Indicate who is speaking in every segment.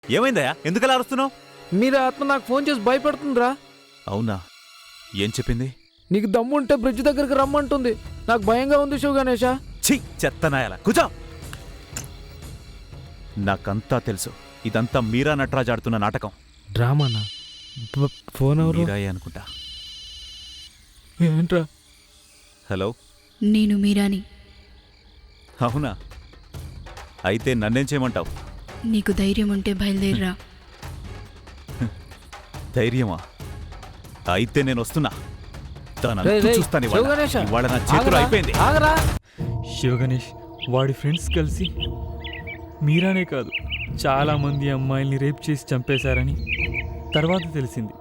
Speaker 1: ఏమైందయ్యా? ఎందుకలా అరుస్తున్నావు?
Speaker 2: మీరా ఆత్మ నాకు ఫోన్ చేసి భయపెడుతుందిరా.
Speaker 1: అవునా? ఏం చెప్పింది?
Speaker 2: నీకు దమ్ముంటే బ్రిడ్జ్ దగ్గరికి రమ్మంటుంది. నాకు భయంగా ఉంది శివ గణేష.
Speaker 1: ఛీ, చెత్తనాయాల కూర్చో. నాకంతా తెలుసు, ఇదంతా మీరా నటరాజ్ ఆడుతున్న నాటకం.
Speaker 2: డ్రామానా? ఫోన్ ఎవరు?
Speaker 1: మీరాయే అనుకుంటా.
Speaker 2: ఏంట్రా?
Speaker 1: హలో,
Speaker 3: నేను మీరాని.
Speaker 1: అవునా? అయితే నన్నేం చేయమంటావు?
Speaker 3: నీకు ధైర్యం ఉంటే బయలుదేరిరా.
Speaker 1: ధైర్యమా? అయితే నేను వస్తున్నా.
Speaker 2: రేయ్, రేయ్,
Speaker 1: చూస్తాను
Speaker 2: శివ గణేష,
Speaker 1: ఇవాళ నా చేతులు
Speaker 2: ఆగరా,
Speaker 1: అయిపోయింది.
Speaker 2: ఆగరా.
Speaker 4: శివ గణేష్ వాడి ఫ్రెండ్స్ కలిసి మీరానే కాదు చాలామంది అమ్మాయిల్ని రేప్ చేసి చంపేశారని తర్వాత తెలిసింది.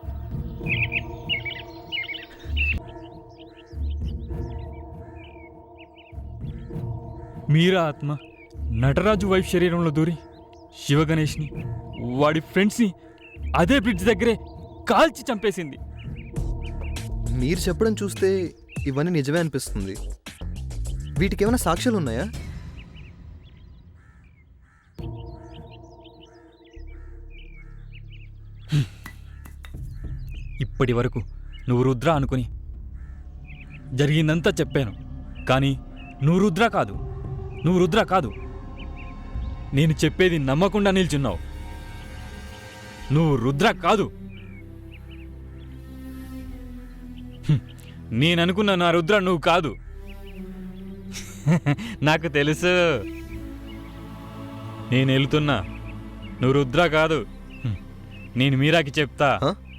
Speaker 4: మీరా ఆత్మ నటరాజు వైఫ్ శరీరంలో దూరి శివ గణేష్ని వాడి ఫ్రెండ్స్ని అదే బ్రిడ్జ్ దగ్గరే కాల్చి చంపేసింది.
Speaker 5: మీరు చెప్పడం చూస్తే ఇవన్నీ నిజమే అనిపిస్తుంది. వీటికి ఏమైనా సాక్ష్యాలు ఉన్నాయా?
Speaker 4: ఇప్పటి వరకు నువ్వు రుద్ర అనుకుని జరిగిందంతా చెప్పాను, కానీ నువ్వు రుద్ర కాదు, నువ్వు రుద్ర కాదు. నేను చెప్పేది నమ్మకుండా నిల్చున్నావు. నువ్వు రుద్ర కాదు. నేననుకున్న నా రుద్ర నువ్వు కాదు. నాకు తెలుసు. నేను వెళ్తున్నా. నువ్వు రుద్ర కాదు. నేను మీరాకి చెప్తా.